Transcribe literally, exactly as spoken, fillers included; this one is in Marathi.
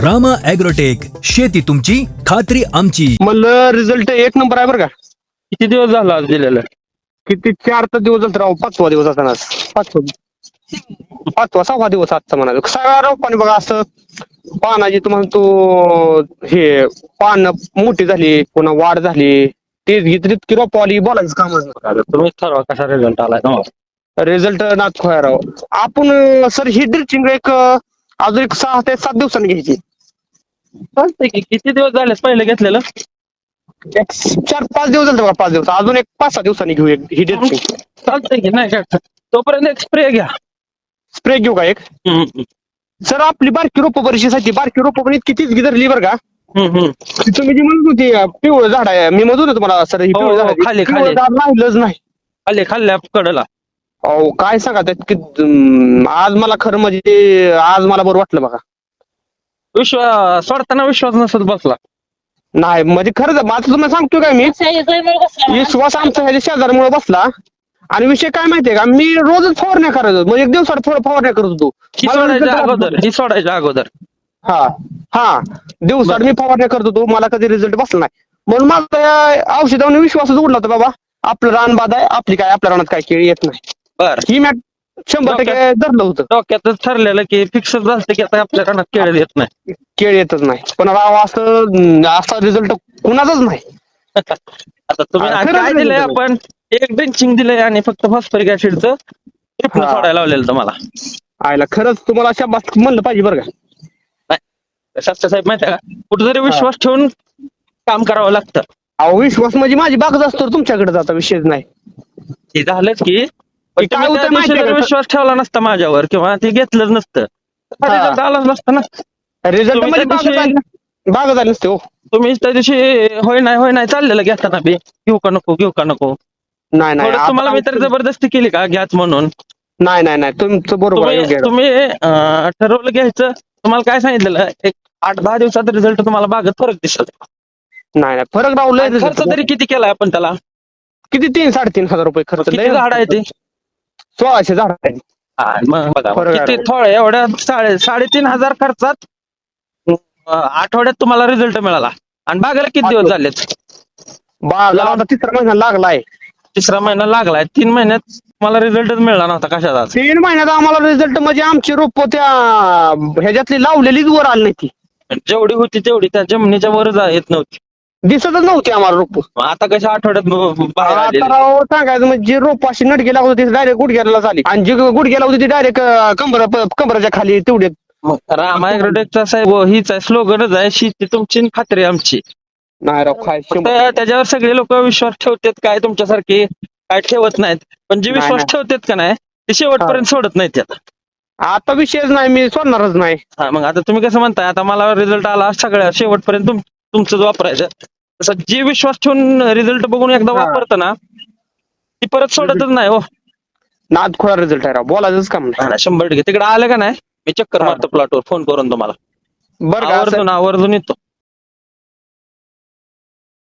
रामा ॲग्रोटेक, शेती तुमची खात्री आमची. म्हणलं रिझल्ट एक नंबर आहे बरं का. किती दिवस झाला आज दिलेलं? किती चार तर दिवस झाले राव, पाचवा दिवस असताना आज. पाचवा पाचवा सहावा दिवस आजचा म्हणाला. सगळ्या रोपाने बघा असं पानाची तुम्हाला तो हे पान मोठी झाली, पुन्हा वाढ झाली, तेच घेतली की रोप आली, बोलायचं कामच नाही. तुम्हीच ठरवा कसा रिझल्ट आलाय तुम्हाला. रिझल्ट नाच खोया राव. आपण सर ही ड्रिचिंग एक अं, अजून एक सहा ते सात दिवसांनी घ्यायची. चालतंय की. किती दिवस झाले पहिले घेतलेलं? एक चार पाच दिवस झाले बघा, पाच दिवस अजून एक पाच सहा दिवसांनी घेऊ एक ही ड्रिचिंग. चालतंय की, नाही काय तोपर्यंत एक स्प्रे घ्या. स्प्रे घेऊ का एक? हम्म, हम्म, सर आपली बारकी रोपं बरीचशी बारकी रोपं पण इतकी तीच धरली बरं का. हम्म, हम्म. ती तुम्ही जी म्हणत होती अं, पिवळं झाड आहे, मी म्हणत होतो तुम्हाला सर ही हो, पिवळं हो, झाड आहे. खाली, पिवळं खाली. झाड राहिलंच नाही. खाल्ले खाल्ल्या कडला. अहो काय सांगा त्यात की अं, आज मला खरं म्हणजे आज मला बरं वाटलं बघा. विश्वास सोडताना विश्वास नसत बसला. नाही म्हणजे खरंच माझं तुम्हाला सांगतोय काय मी, विश्वास आमचा ह्याच्या शेजारमुळे बसला. आणि विषय काय माहितीये का, मी रोजच फवारण्या करायचो, म्हणजे एक दिवसात थोडं फवारण्या करत होतो. ही मला सोडायच्या result अगोदर ही सोडायच्या अगोदर हा हा दिवसात मी फवारण्या करत होतो, मला कधी रिझल्ट बसला नाही. म्हणून माझा या औषधावर विश्वासच उडला होता बाबा. आपलं रान बाद आहे, आपली काय आपल्या रानात काय केळी येत नाही. बर ही मॅट शंभर टक्के धरलं होतं. डोक्यातच ठरलेलं की फिक्स झालं की आता आपल्या कानात केळ येत नाही. केळी येतच नाही, पण राव असं असा रिझल्ट कुणाचाच नाही. आता तुम्ही हा, आज खरंच काय result दिलंय? आहे. आपण एक ड्रिंचिंग दिलंय आणि फक्त फॉस्फरिक ऍसिडचं ट्रिपल हा. सोडायला लावलेलं तुम्हाला. आयला खरंच तुम्हाला शाबास म्हणलं पाहिजे बरं का. शास्त्र साहेब माहिती आहे का, कुठेतरी विश्वास ठेवून काम करावं लागतं. अहो विश्वास म्हणजे माझी बागच असतो, तुमच्याकडे जाता विषयच नाही. हे झालंच की, पण ते काय तुम्ही त्या होतं दिवशी माहितीये जर का? विश्वास ठेवला नसता माझ्यावर किंवा ते घेतलंच नसतं, हा. रिझल्ट आलाच नसता ना. रिझल्ट तुम्ही म्हणजे त्या बागच दिवशी- आली बागच आली नसते हो. तुम्ही त्या दिवशी होय नाही होय नाही चाललेलं घेताना बी, घेऊ का नको घेऊ का नको. नाही नाही थोडं तुम्हाला आता- मी तर जबरदस्ती केली का घ्याच म्हणून. नाही नाही नाही तुमचं बरोबर आहे, योग्य तुम्ही आहे. तुम्ही अं, ठरवलं घ्यायचं. तुम्हाला काय सांगितलेलं, एक आठ दहा दिवसात रिझल्ट तुम्हाला बागत फरक दिसत. नाही नाही फरक राहू लय आणि खर्च result. तरी किती केलाय आपण त्याला? किती तीन साडेतीन हजार रुपये खर्च किती लय. झाड आहे ते? सोळाशे झाड आहे. हा, मग बघा फरक आहे किती राव. थोडे एवढ्या साडे साडेतीन हजार खर्चात अं, आठवड्यात तुम्हाला रिझल्ट मिळाला. आणि बागेला किती दिवस झालेत? बागाला आता तिसरा महिना लागलाय. तिसरा महिना लागलाय. तीन महिन्यात तुम्हाला रिझल्टच मिळाला नव्हता कशाचा. तीन महिन्यात आम्हाला रिझल्ट म्हणजे आमची रोप त्या ह्याच्यातली लावलेलीच वर आली नाही ती. जेवढी होती तेवढी त्या जमिनीच्या वर जा- येत नव्हती. दिसतच नव्हती आम्हाला रोप. मग आता कशा आठवड्यात ब- बाहेर आता आलेली? राव सांगायचं म्हणजे रोप अशी नटकी लागत होती डायरेक्ट गुडघ्याला झाली, आणि जी गुडघ्याला होती ती डायरेक्ट कंबर कंबराच्या खाली तेवढे. मग रामा ॲग्रोटेकचा साहेब हीच आहे, स्लोगनच आहे, शेती तुमची आणि खात्री आमची. नाही राव काय फक्त त्याच्यावर सगळे लोक विश्वास ठेवतात, काय तुमच्यासारखे काय ठेवत नाहीत. पण जे नाही, विश्वास नाही. ठेवतात का नाही ते शेवटपर्यंत सोडत नाहीत त्यात. आता विषयच नाही, मी सोडणारच नाही. हा, मग आता तुम्ही कसं म्हणताय, आता मला रिझल्ट आला सगळ्या शेवटपर्यंत तुम- तुमचंच वापरायचं. तसं जे विश्वास ठेवून रिझल्ट बघून एकदा हा. वापरतं ना, ती परत सोडतच नाही हो. नाद खोळा रिझल्ट आहे राव, बोलायचंच काम नाही. हा ना, शंभर टक्के. तिकडे आलं का नाही मी चक्कर हा. मारतो प्लॉटवर फोन करून तुम्हाला. बरं का असं- आवर्जून आवर्जून येतो.